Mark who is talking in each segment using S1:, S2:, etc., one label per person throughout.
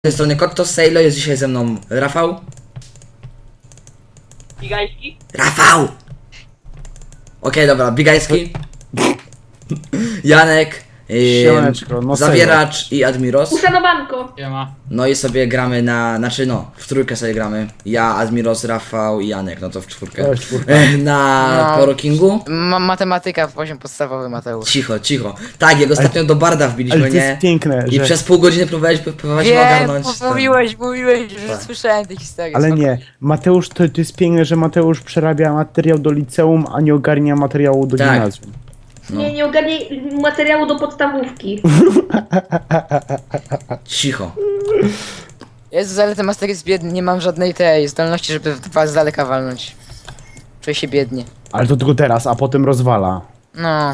S1: Z tej strony Kotto Sejlo, jest dzisiaj ze mną Rafał.
S2: Bigajski?
S1: Rafał! Okej, dobra, Bigajski. Janek.
S3: Siemaneczko, no
S1: Zawieracz i Admiros.
S2: Uszanowanko!
S4: Siema.
S1: No i sobie gramy na, w trójkę sobie gramy. Ja, Admiros, Rafał i Janek, no to w czwórkę.
S3: To jest czwórka.
S1: Na
S4: No.
S1: Poro Kingu.
S4: Matematyka w poziom podstawowy, Mateusz.
S1: Cicho, cicho. Tak, jak ostatnio do Barda wbiliśmy,
S3: Ale to
S1: nie?
S3: jest piękne,
S1: I
S3: że...
S1: przez pół godziny próbowaliśmy
S4: Wiem,
S1: ogarnąć. ten-
S4: mówiłeś, że
S1: Tak.
S4: słyszałem te historie.
S3: Ale
S4: spoko.
S3: nie, Mateusz, to jest piękne, że Mateusz przerabia materiał do liceum, a nie ogarnia materiału do
S1: Tak.
S3: gimnazjum.
S1: No.
S2: Nie ogarnij materiału do podstawówki.
S1: Cicho.
S4: Jezus, ale ten master jest biedny, nie mam żadnej tej zdolności, żeby was z daleka walnąć. Czuję się biednie.
S3: Ale to tylko teraz, a potem rozwala.
S4: No,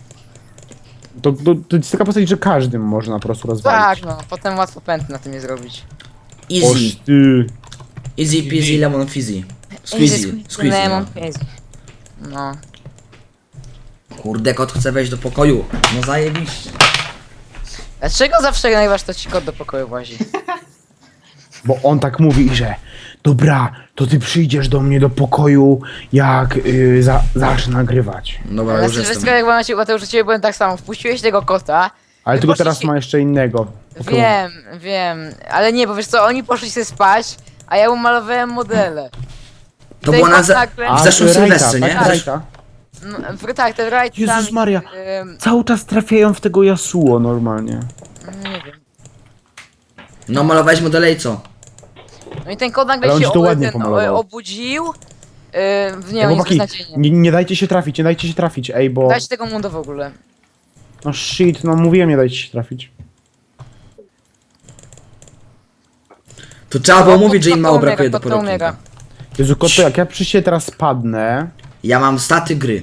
S3: To jest taka postać, że każdym można po prostu rozwalić.
S4: tak no, potem łatwo pęd na tym je zrobić.
S1: Easy.
S3: Oż ty.
S1: Easy peasy lemon fizzy. Squeezy. Squeezy.
S4: Lemon
S1: No.
S4: fizzy. No.
S1: Kurde, kot chce wejść do pokoju. No zajebiście.
S4: Dlaczego zawsze nagrywasz to ci kot do pokoju włazi?
S3: Bo on tak mówi, że dobra, to ty przyjdziesz do mnie do pokoju, jak zacznę nagrywać.
S1: Dobra,
S4: Na
S1: już
S4: Sylwestra,
S1: jestem.
S4: jak byłem na ciebie, Mateusz, u ciebie byłem tak samo. Wpuściłeś tego kota.
S3: Ale
S4: Wy
S3: tylko teraz
S4: poszliście-
S3: ma jeszcze innego.
S4: Wiem, ale nie, bo wiesz co, oni poszli sobie spać, a ja umalowałem modele.
S1: To było na w zeszłym Sylwestrze, nie?
S3: Tak, Rajta.
S4: No, tak, ten right
S3: Jezus
S4: tam,
S3: Maria. Cały czas trafiają w tego Yasuo normalnie.
S4: nie wiem.
S1: No malowałeś modele i co?
S4: No i ten kot nagle
S3: Ale on
S4: się
S3: ci to ładnie pomalował.
S4: obudził. Nie,
S3: Ej,
S4: on jest
S3: chłopaki,
S4: beznadziejnie.
S3: nie dajcie się trafić, nie dajcie się trafić, ej, bo...
S4: Dajcie tego munda w ogóle.
S3: No shit, no mówiłem, nie dajcie się trafić.
S1: To trzeba było
S4: Kot-
S1: mówić, że im
S4: kot
S1: mało
S4: umiera,
S1: brakuje do
S4: kot umiera.
S1: porokinka.
S3: Jezu, Koto, jak ja przy siebie teraz spadnę...
S1: Ja mam staty gry.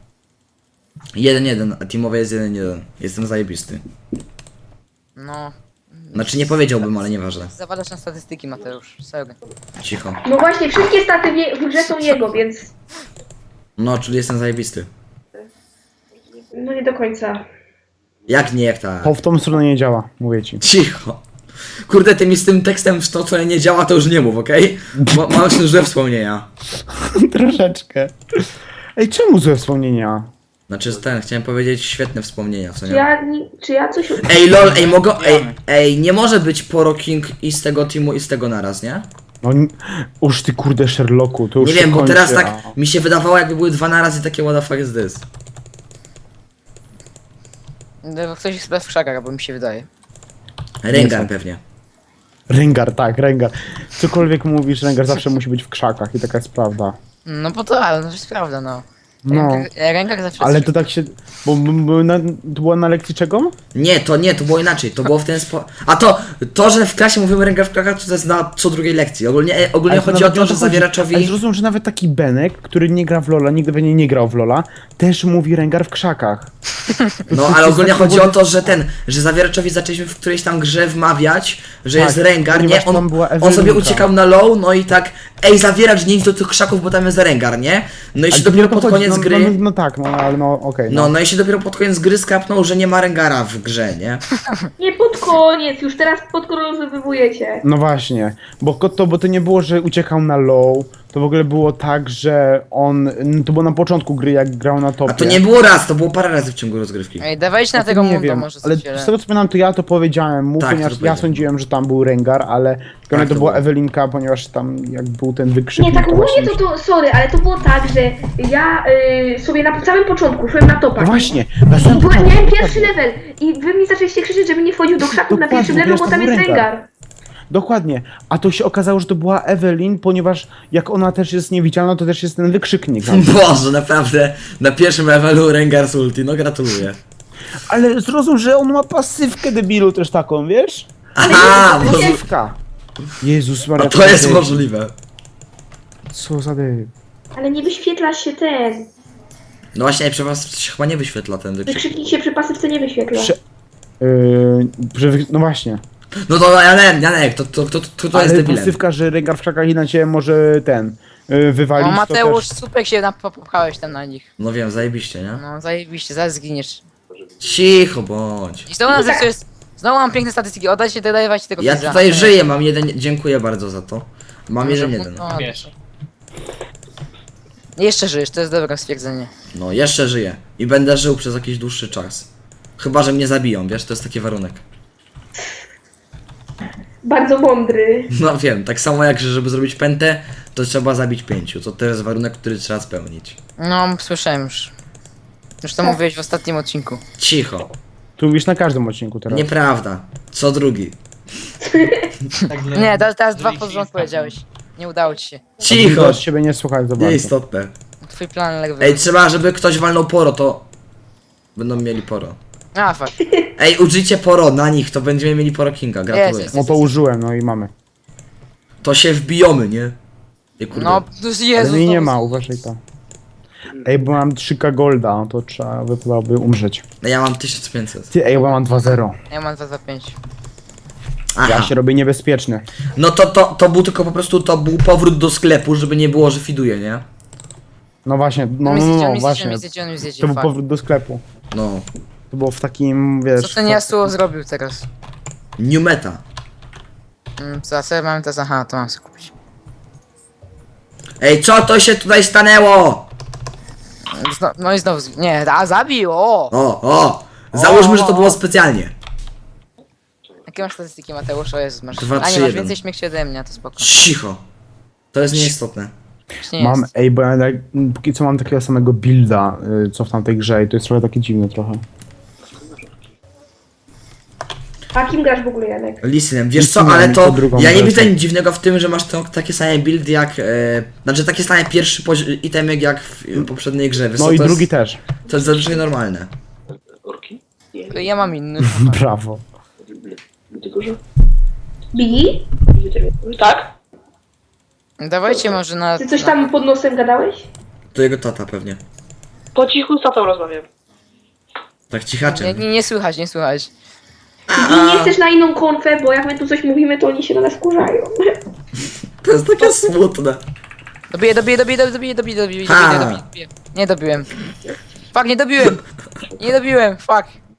S1: 1-1, a teamowe jest 1-1. Jestem zajebisty.
S4: No.
S1: Znaczy nie powiedziałbym, ale nieważne.
S4: Zawadasz na statystyki, Mateusz. Serio.
S1: Cicho.
S2: No właśnie, wszystkie staty w grze są jego, więc...
S1: No, czyli jestem zajebisty.
S2: No nie do końca.
S1: Jak nie, jak ta.
S3: To w tą stronę nie działa, mówię ci.
S1: Cicho. Kurde, ty mi z tym tekstem w to, co nie działa, to już nie mów, okej? Mam już złe wspomnienia.
S3: Troszeczkę. Ej, czemu złe wspomnienia?
S1: Znaczy chciałem powiedzieć świetne wspomnienia, co
S2: Czy
S1: nie?
S2: czy ja coś...
S1: Ej, lol, ej, mogę, ej, nie może być Poro King i z tego teamu i z tego naraz, nie?
S3: No, uż ty kurde Sherlocku, to już
S1: Nie
S3: się
S1: wiem, bo
S3: kończy,
S1: teraz tak
S3: a-
S1: mi się wydawało, jakby były dwa naraz i takie what the fuck is this?
S4: Ktoś jest w krzakach, bo mi się wydaje.
S1: Rengar
S3: są.
S1: pewnie.
S3: Rengar, tak, Rengar. Cokolwiek mówisz, Rengar zawsze musi być w krzakach i taka jest prawda.
S4: No bo to, ale no to jest prawda, no.
S3: No,
S4: Rękach zawsze
S3: ale
S4: jest-
S3: to tak się... to była na lekcji czego?
S1: Nie, to było inaczej, to było w ten sposób. A to, że w klasie mówimy Rengar w krakach, to jest na co drugiej lekcji. Ogólnie
S3: Ale
S1: chodzi o
S3: nawet nie
S1: to, że
S3: chodzi.
S1: zawieraczowi...
S3: Ale zrozum, że nawet taki Benek, który nie gra w Lola, nigdy pewnie nie grał w Lola, też mówi Rengar w krzakach.
S1: No, ale ogólnie chodzi o to, że zawieraczowi zaczęliśmy w którejś tam grze wmawiać, że
S3: Tak,
S1: jest Rengar, nie?
S3: ponieważ tam była
S1: On sobie
S3: Ewelinka.
S1: uciekał na low, no i tak, ej, zawieracz, nie idź do tych krzaków, bo tam jest Rengar, nie? No i się
S3: Ale
S1: dopiero
S3: to
S1: pod
S3: chodzi,
S1: koniec gry...
S3: No tak, no ale no okej.
S1: No i się dopiero pod koniec gry skapnął, że nie ma Rengara w grze, nie?
S2: Nie pod koniec, już teraz podkolorowujecie.
S3: No właśnie, bo to nie było, że uciekał na low, to w ogóle było tak, że on, to było na początku gry, jak grał na topie.
S1: A to nie było raz, to było parę razy w ciągu rozgrywki.
S4: Ej, dawajcie na
S3: To
S4: tego
S3: nie
S4: munda
S3: wiem,
S4: może
S3: ale
S4: coś,
S3: z tego co pamiętam, to ja to powiedziałem mu,
S1: Tak,
S3: ponieważ
S1: to
S3: ja
S1: powiedziałem.
S3: sądziłem, że tam był Rengar, ale
S1: Tak,
S3: to
S1: to
S3: była
S1: było.
S3: Ewelinka, ponieważ tam jak był ten wykrzyknik,
S2: Nie, tak
S3: to właśnie...
S2: ogólnie sorry, ale to było tak, że ja sobie na samym początku szłem na topach.
S3: No właśnie, na samym początku,
S2: Miałem
S3: dokładnie.
S2: pierwszy level i wy mi zaczęliście krzyczeć, żebym nie wchodził do krzaków na
S3: Dokładnie,
S2: pierwszym levelu,
S3: wiesz,
S2: bo
S3: to
S2: tam
S3: był
S2: jest
S3: Rengar.
S2: Rengar.
S3: Dokładnie, a to się okazało, że to była Ewelin, ponieważ jak ona też jest niewidzialna, to też jest ten wykrzyknik.
S1: Boże, naprawdę, na pierwszym levelu Rengar z ulti, no gratuluję.
S3: Ale zrozum, że on ma pasywkę debilu też taką, wiesz?
S1: Aha, bo...
S3: Pasywka. Jezus Maria.
S1: A to jest
S3: debil.
S1: możliwe.
S3: Co za debil.
S2: Ale nie wyświetla się ten.
S1: No właśnie, przy was się chyba nie wyświetla ten wykrzyknik.
S2: Wykrzyknik się przy pasywce nie wyświetla.
S3: Prze- no właśnie.
S1: No to Janek, to jest
S3: Ale
S1: debilem.
S3: pasywka, że Rengar w krzakach inaczej może ten wywalić.
S4: O, Mateusz,
S3: to też...
S4: super się popchałeś tam na nich.
S1: No wiem, zajebiście, nie?
S4: No, zajebiście, zaraz zginiesz.
S1: Cicho bądź.
S4: I to u nas jak to jest... Znowu mam piękne statystyki, oddajcie te, dajcie tego
S1: Ja
S4: pizza.
S1: tutaj żyję, mam jeden, dziękuję bardzo za to. Mam
S4: Może-
S1: jeden.
S4: no,
S5: Wiesz.
S4: Jeszcze żyjesz, to jest dobre stwierdzenie.
S1: No, jeszcze żyję. I będę żył przez jakiś dłuższy czas. Chyba, że mnie zabiją, wiesz, to jest taki warunek.
S2: Bardzo mądry.
S1: No wiem, tak samo jak, że żeby zrobić pętę, to trzeba zabić 5. To też jest warunek, który trzeba spełnić.
S4: No, słyszałem już. Już to mówiłeś w ostatnim odcinku.
S1: Cicho.
S3: Tu mówisz na każdym odcinku teraz.
S1: Nieprawda. Co drugi.
S5: Tak
S4: Nie, teraz dwa
S5: drugi
S4: pod
S5: ci
S4: rząd powiedziałeś. Nie udało ci się.
S1: Cicho.
S3: Od ciebie nie słuchać za bardzo.
S1: Nieistotne.
S4: Twój plan legł.
S1: Ej, trzeba, żeby ktoś walnął poro, to... Będą mieli poro.
S4: A, fuck.
S1: Ej, użyjcie poro na nich, to będziemy mieli poro kinga, gratuluję.
S4: Jest.
S3: No to użyłem, no i mamy.
S1: To się wbijomy, nie? Ej, kurde.
S4: No, to jest
S3: Ale
S4: Jezus.
S3: mnie nie
S4: no.
S3: ma, uważaj tam. Ej, bo mam 3K golda, no to trzeba wypadałoby umrzeć.
S1: Ja mam 1500.
S3: Ty, ej, bo mam 2-0.
S4: Ja mam 2 za 5.
S1: Aha.
S3: Ja się robię niebezpieczny.
S1: No to był tylko po prostu, to był powrót do sklepu, żeby nie było, że fiduje, nie?
S3: No właśnie, no właśnie.
S4: On mi zjedzie,
S3: To był
S4: fuck.
S3: powrót do sklepu.
S1: No.
S3: To było w takim, wiesz...
S4: Co ten Yasuo zrobił teraz?
S1: New meta.
S4: Co, a co ja mam teraz? Aha, to mam sobie kupić.
S1: Ej, co to się tutaj stanęło?
S4: No i znowu, nie, zabił, o!
S1: O. Załóżmy, że to było specjalnie.
S4: Jakie masz statystyki, Mateusz? O Jezus, masz.
S1: Dwa,
S4: A
S1: trzy,
S4: nie, masz
S1: jeden.
S4: więcej śmierci ode mnie, to spoko.
S1: Cicho. To jest nieistotne.
S4: Nie
S3: Mam,
S4: jest.
S3: ej, bo ja póki co mam takiego samego builda, co w tamtej grze i to jest trochę takie dziwne trochę.
S2: A kim grasz w ogóle, Janek?
S1: Lisinem, wiesz co,
S3: Lisinem
S1: ale
S3: i
S1: to
S3: to drugą
S1: ja nie
S3: wersją.
S1: widzę nic dziwnego w tym, że masz takie same build jak, znaczy takie same pierwszy itemek jak w poprzedniej grze. Wiesz
S3: No
S1: co,
S3: i
S1: to
S3: drugi
S1: jest,
S3: też.
S1: To jest zazwyczaj normalne.
S4: Ja mam inny.
S3: Brawo.
S2: Bigi?
S6: Tak?
S4: Dawajcie może na...
S2: Ty coś tam pod nosem gadałeś?
S1: To jego tata pewnie.
S6: Po cichu z tatą rozmawiam.
S1: Tak
S4: Nie,
S1: cichaczem.
S4: nie słychać, nie słychać.
S2: Bigi, nie chcesz na inną konfę, bo jak my tu coś mówimy, to oni się na nas kurzają.
S1: To jest takie smutne.
S4: Dobiję.
S1: Ha.
S4: Nie dobiłem. Fuck, nie dobiłem. Nie dobiłem, fuck.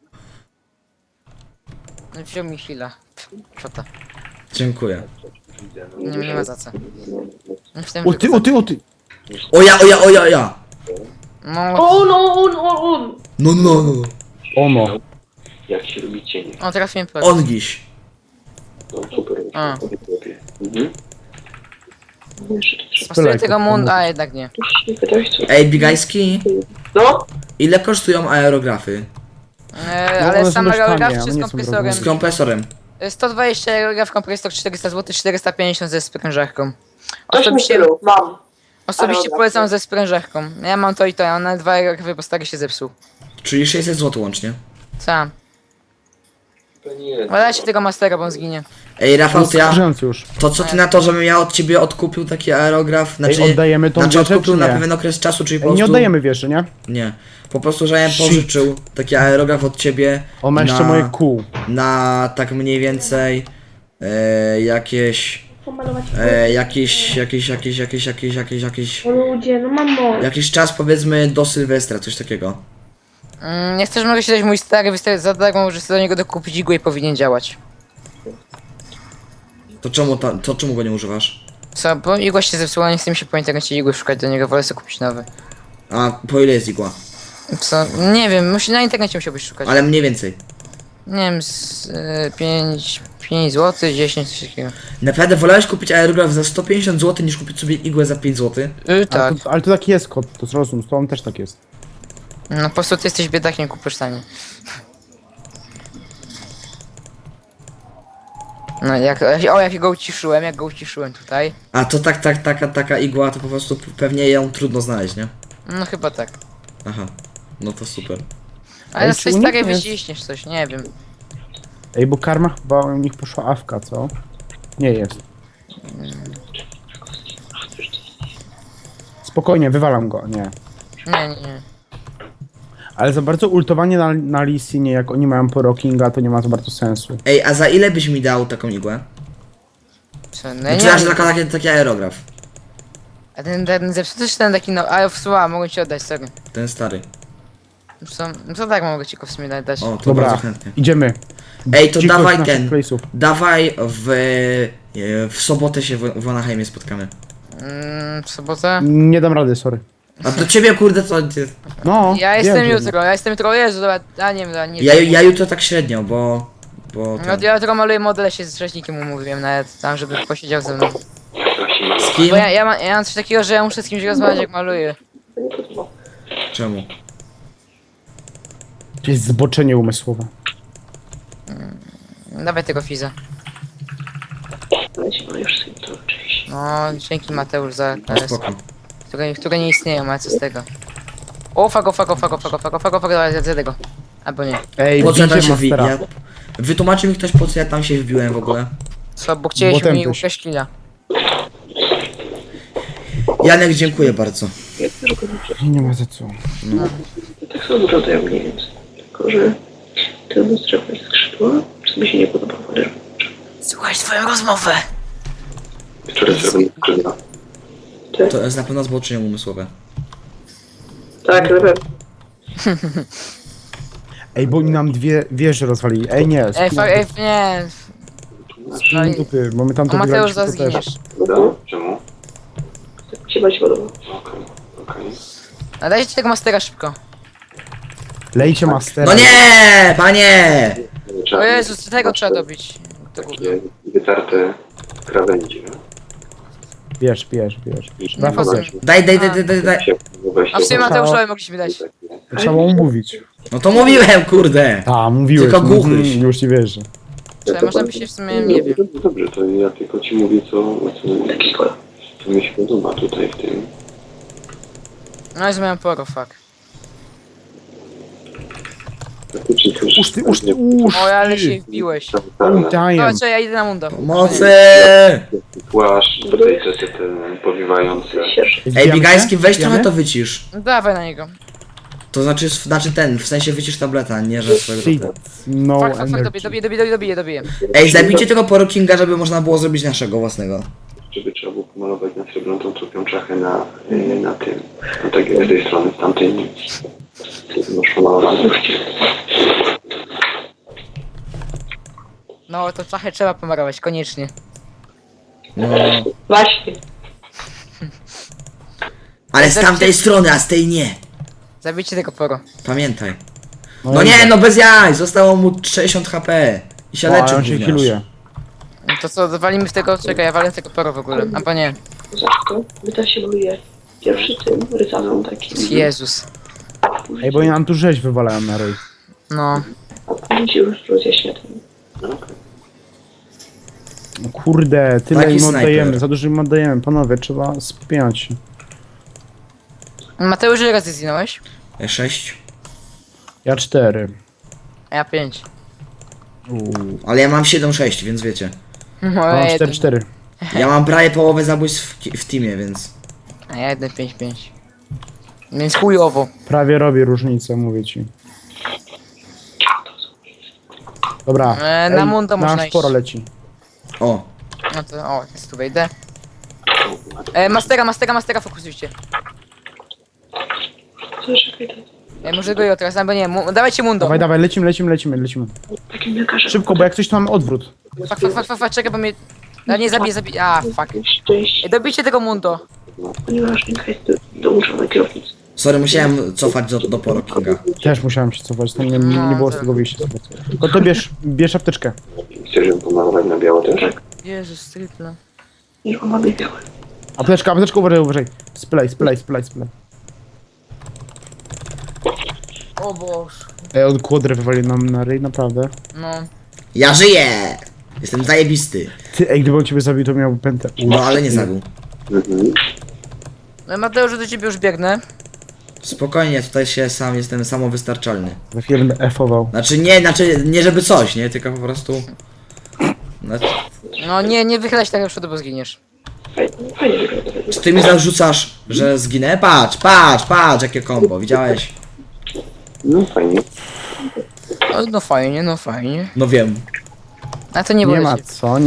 S4: No wziął mi chwilę. Szota.
S1: Dziękuję.
S4: Nie ma za co. Myślałem,
S3: O ty!
S1: O ja.
S4: No,
S2: On.
S1: No.
S3: Ono.
S7: Jak się robi cień.
S4: o teraz mnie po.
S1: Ongiś.
S7: No super.
S4: A.
S7: Mhm. No jeszcze to trzeba.
S4: Pasuję tego mund, a jednak nie.
S7: Nie pytałeś co?
S1: Ej, Bigański,
S6: No?
S1: ile kosztują aerografy?
S3: No,
S4: Ale
S3: one są
S4: sam
S3: dość
S4: aerograf
S3: tanie,
S4: czy
S3: one
S4: z
S3: nie są
S4: kompresorem?
S1: Z kompresorem.
S4: 120 aerograf, kompresor 400 zł, 450 ze sprężarką.
S6: Coś mi
S4: Osobiście,
S6: stylu. Mam.
S4: osobiście
S6: aerograf.
S4: polecam ze sprężarką. Ja mam to i to, a one 2 aerografy, bo stary się zepsuł.
S1: Czyli 600 zł łącznie.
S4: Co?
S7: To nie.
S4: Dajcie tego mastera, bo on zginie.
S1: Ej, Rafał, to ja...
S3: Skarżący już.
S1: To co ty na to, żebym ja od ciebie odkupił taki aerograf? Znaczy,
S3: Ej, oddajemy tą
S1: znaczy
S3: wieżę,
S1: odkupił
S3: czy
S1: na
S3: nie?
S1: pewien okres czasu, czyli po
S3: Ej,
S1: prostu...
S3: nie oddajemy wieży, nie?
S1: Nie. Po prostu, że ja bym
S3: Shit.
S1: pożyczył taki aerograf od ciebie
S3: On ma jeszcze moje kół.
S1: na tak mniej więcej
S2: Pomalować.
S1: jakiś
S2: O ludzie, no mamo.
S1: jakiś czas powiedzmy do Sylwestra, coś takiego.
S4: Nie chcesz, mogę się dać mój stary wystawić za darmo, możesz sobie do niego dokupić igłę i powinien działać.
S1: To czemu go nie używasz?
S4: Co, bo igła się zepsuła, nie chcę mi się po internecie igły szukać do niego, wolę sobie kupić nowy.
S1: A po ile jest igła?
S4: Co? Nie wiem, na internecie musiałbyś szukać.
S1: Ale mniej więcej.
S4: Nie wiem, 5 zł, 10 coś takiego.
S1: Naprawdę wolałeś kupić aerograf za 150 zł niż kupić sobie igłę za 5 zł?
S4: Tak.
S3: Ale to taki jest kod, to zrozum, z tobą też tak jest.
S4: No po prostu ty jesteś biedakiem, kupisz tanie. No jak go uciszyłem tutaj.
S1: A to taka igła, to po prostu pewnie ją trudno znaleźć, nie?
S4: No chyba tak.
S1: Aha. No to super.
S4: Ale
S3: Ej,
S4: na
S3: czy
S4: swojej
S3: u nich
S4: starej
S3: jest-
S4: wyciśniesz coś, nie wiem.
S3: Ej, bo karma chyba u nich poszła awka, co? Nie jest. Spokojnie, wywalam go, nie.
S4: Nie.
S3: Ale za bardzo ultowanie na Lee Sinie, jak oni mają Poro Kinga, to nie ma za bardzo sensu.
S1: Ej, a za ile byś mi dał taką igłę?
S4: Co, no
S1: Znaczy,
S4: nie.
S1: że taki aerograf.
S4: A ten zepsuty czy ten taki no, ale w słowa mogę ci oddać, sorry.
S1: Ten stary.
S4: Co tak mogę ci go w sumie dać?
S1: O, to
S3: Dobra,
S1: bardzo chętnie.
S3: idziemy.
S1: Ej, to
S3: Dzikość
S1: dawaj
S3: naszych
S1: ten.
S3: place'ów.
S1: Dawaj w sobotę się w Anaheimie spotkamy.
S4: W sobotę?
S3: Nie dam rady, sorry.
S1: A do ciebie kurde co?
S3: No,
S4: Ja
S3: wiem,
S4: jestem
S3: że-
S4: jutro, Jezu, dobra, a nie wiem, dobra, nie
S1: Ja jutro tak średnio, bo
S4: No,
S1: ten.
S4: ja tylko maluję modele, się z rzeźnikiem umówiłem nawet tam, żeby posiedział ze mną.
S1: Z kim?
S4: Bo ja mam coś takiego, że ja muszę z kimś rozmawiać jak maluję.
S1: Czemu?
S3: To jest zboczenie umysłowe.
S4: Dawaj tego Fiza.
S6: Leci, no już sobie to oczywiście.
S4: No, dzięki Mateusz za
S1: No
S4: KS,
S1: spoko.
S4: które nie istnieją, ale co z tego. O, fuck, dobra, ja zjadę go. Albo nie.
S3: Ej,
S1: Po co ja tam
S3: bijcie
S1: się wbiłem?
S3: mastera.
S1: Wytłumaczy mi ktoś po co ja tam się wbiłem w ogóle.
S4: Co, bo chcieliśmy
S3: Potem
S4: mi
S3: też.
S4: ukraść killa.
S1: Janek, dziękuję bardzo.
S6: Ja też go dobrze.
S3: Nie ma za co.
S6: Tak samo wyglądają mniej więcej. Tylko, że ten strzał jest skrzydła, co mi się nie podoba, ale
S4: Słuchaj swoją rozmowę.
S7: Które zrobią skrzydła.
S1: To jest na pewno zboczenie umysłowe.
S6: tak, na pewno.
S3: Ej, bo oni nam dwie wieże rozwalili. Ej, nie.
S4: Nie. No i...
S3: Dupy, bo my tam
S4: O,
S3: to
S4: Mateusz,
S3: wygraliśmy,
S4: zaraz
S3: to też.
S4: zginiesz.
S7: Prawda? Czemu?
S6: Tak mi się bardziej podoba.
S7: Okej.
S4: A dajcie tego mastera szybko.
S3: Lejcie mastera.
S1: No nie, panie!
S4: O Jezus, tego trzeba dobić. To gówno.
S7: Takie wytarte krawędzie.
S3: Bierz.
S4: Nie po co?
S1: Daj.
S4: A w sumie Mateuszowi mogliśmy dać.
S3: Trzeba mu mówić.
S1: No to mówiłem, kurde.
S3: A, mówiłeś.
S1: Tylko głuchyś.
S3: Już ci wierzę.
S4: Czy można by się w sumie, nie wiem.
S7: Dobrze, to ja tylko ci mówię
S6: Taki kolor.
S7: co mi się podoba tutaj w tym.
S4: No i zmiałem poro, fuck.
S7: Faktycznie to już-
S3: Uż ty.
S4: O, ale się wbiłeś.
S3: Daję.
S4: No co, ja idę na mundo.
S1: Pomocy!
S7: Płaszcz, tutaj te powiewające.
S1: Ej, Bigański, weź trochę to wycisz.
S4: No dawaj na niego.
S1: To znaczy ten, w sensie wycisz tableta, nie że swojego
S3: Shit.
S1: tableta.
S3: No
S4: Fuck,
S3: energy.
S4: dobiję.
S1: Ej, zabijcie tego porokinga, żeby można było zrobić naszego własnego.
S7: Żeby trzeba było pomalować na srebrną trupią czachę na tym. No tak jak z tej strony, z tamtej nic. Masz pomalowane.
S4: No to czachę trzeba pomarować, koniecznie.
S1: No.
S6: Właśnie.
S1: Ale z tamtej strony, a z tej nie.
S4: Zabijcie tego poro.
S1: Pamiętaj. No nie, no bez jaj, zostało mu 60 HP. I się
S3: O,
S1: leczy
S3: on się
S1: gówniarz.
S3: healuje.
S4: No to co, walimy w tego, czekaj, ja walę tego poro w ogóle. Albo nie.
S6: Za to wyda się maluje pierwszy tym rysaną taki.
S4: Jezus.
S3: Ej, bo oni nam tu rzeź wywalają na ryj.
S4: No.
S6: A później się już rozjaśnia ten.
S3: No kurde, tyle
S1: Taki
S3: im
S1: snajper.
S3: oddajemy, za dużo im oddajemy. Panowie, trzeba spiąć się.
S4: Mateusz, ile razy zginąłeś?
S1: 6.
S3: Ja 4.
S4: A ja 5.
S1: Ale ja mam 7-6, więc wiecie.
S3: Mam
S4: No,
S3: 4-4.
S1: Ja mam prawie połowę zabójstw w teamie, więc.
S4: A ja 1-5-5. Więc chujowo.
S3: Prawie robi różnicę, mówię ci. Dobra.
S4: Na mundo można
S3: nasz
S4: iść.
S3: poro leci.
S1: O,
S4: No to, o, jest tu wejdę. Mastera, fokusujcie.
S6: Co, czekaj, to
S4: Może go i teraz, albo nie, dawajcie mundo.
S3: Dawaj, lecimy.
S6: takim lekarzem.
S3: Szybko, bo jak coś to mamy odwrót.
S4: Fuck, czekaj, bo mnie... A nie, zabiję, a, fuck.
S6: Szczęście,
S4: Dobijcie tego mundo.
S6: ponieważ Nika jest dołączona kierownicy.
S1: sorry, musiałem cofać do porokinga.
S3: Też musiałem się cofać, tam nie
S4: No,
S3: było z
S4: to-
S3: tego wyjścia. No to bierz apteczkę.
S7: Chcesz ją pomalować na biało też?
S4: Jezus, stripla.
S6: Niż on ma białe.
S3: Apteczka, uważaj. Splej.
S4: O Boż.
S3: Ej, on kłodrę wywalił nam na ryj, naprawdę.
S4: No.
S1: Ja żyję! Jestem zajebisty.
S3: Ty, ej, gdyby on ciebie zabił, to miałby pętę.
S1: No ale nie zabił.
S7: Mhm.
S4: Mateusz, do ciebie już biegnę.
S1: Spokojnie, tutaj jestem samowystarczalny.
S3: Za chwilę będę F-ował.
S1: Znaczy nie żeby coś, nie? Tylko po prostu. Znaczy,
S4: No nie wychylaj się tak do przodu, bo zginiesz.
S6: Fajnie wygląda.
S1: czy ty mi zarzucasz, że zginę? Patrz, jakie kombo, widziałeś?
S7: No fajnie.
S4: No fajnie.
S1: No wiem.
S4: A to nie
S3: Nie
S4: było
S3: ma
S4: cię.
S3: co.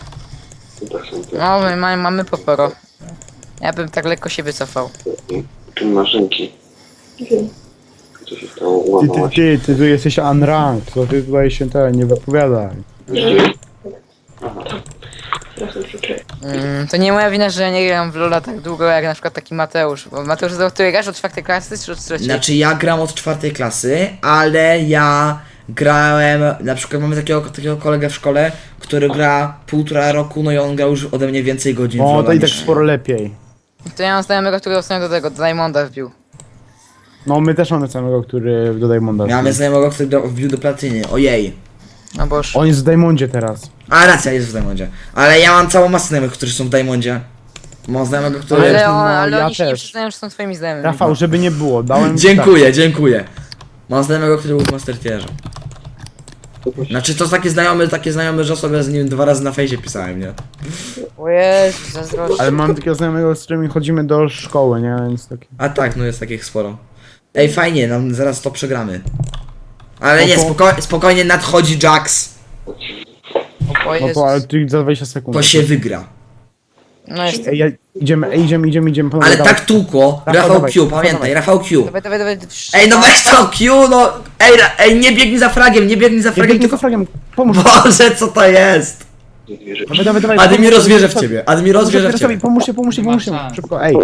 S7: To tak są te
S4: No, mamy poporo. Ja bym tak lekko się wycofał.
S7: Tu maszynki.
S6: Wiem.
S7: Co się stało? Ułamałaś.
S3: Ty tu jesteś unranked, to ty tutaj się nie wypowiadaj.
S7: Aha.
S6: Teraz przyczepię.
S4: To nie moja wina, że ja nie gram w LoL'a tak długo jak na przykład taki Mateusz. Bo Mateusz, do której grasz? Od 4 klasy czy od 3?
S1: Znaczy ja gram od 4 klasy, ale ja grałem, na przykład mamy takiego kolegę w szkole, który gra 1,5 roku, no i on grał już ode mnie więcej godzin w
S3: O,
S1: LoL'a
S3: to i tak
S1: niż-
S3: sporo lepiej.
S4: To ja mam znajomego, który ostatnio do tego, do Diamonda wbił.
S3: No my też mamy samego, który do Diamonda.
S1: Miałem znajomego, który wbił do platyny, ojej.
S4: No boż.
S3: On jest w Diamondzie teraz.
S1: A racja, jest w Diamondzie. Ale ja mam całą masę znajomych, którzy są w Diamondzie. Mam znajomego, który...
S3: Ale-
S4: Ale
S3: ja
S4: oni się nie
S3: też.
S4: przyznają, że są twoimi znajomymi.
S3: Rafał, żeby nie było, dałem...
S1: Dziękuję. Mam znajomego, który był w Master Tierze. Znaczy to takie znajomy, że sobie z nim 2 razy na fejsie pisałem, nie?
S4: O Jezu, zazdroszczę.
S3: Ale mam takiego znajomego, z którymi chodzimy do szkoły, nie? Więc taki...
S1: A tak, no jest takich sporo. Ej, fajnie, nam zaraz to przegramy. Ale
S3: No
S1: nie,
S3: to-
S1: spokojnie nadchodzi Jax.
S4: O
S3: No
S4: Jezus.
S3: to, ale ty za 20 sekund.
S1: To się wygra.
S4: No jest.
S3: Ej, idziemy, panowie,
S1: Ale
S3: dawaj.
S1: tak tłukło.
S3: Rafał,
S1: Rafał
S3: dawaj,
S1: Q,
S3: Rafał,
S1: pamiętaj,
S3: dawaj.
S1: Rafał Q.
S4: Dawaj.
S1: Ej, no weź to Q, no! Ej, nie biegnij za fragiem, nie biegnij za
S3: Ja
S1: fragiem,
S3: biegnę
S1: tylko...
S3: za fragiem, pomóż.
S1: Boże, co to jest?
S3: Dawaj.
S1: Admiro zwierzę w ciebie, Admiro zwierzę w ciebie.
S3: Pomóżcie,
S5: ma szans.
S3: szybko, ej.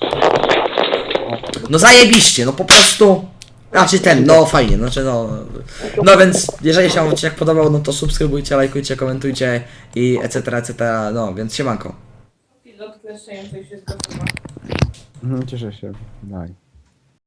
S1: No zajebiście, no po prostu. Znaczy no fajnie, znaczy no. No więc jeżeli się wam odcinek podobał, no to subskrybujcie, lajkujcie, komentujcie i etc, no więc siemanko.
S3: Cieszę się, daj.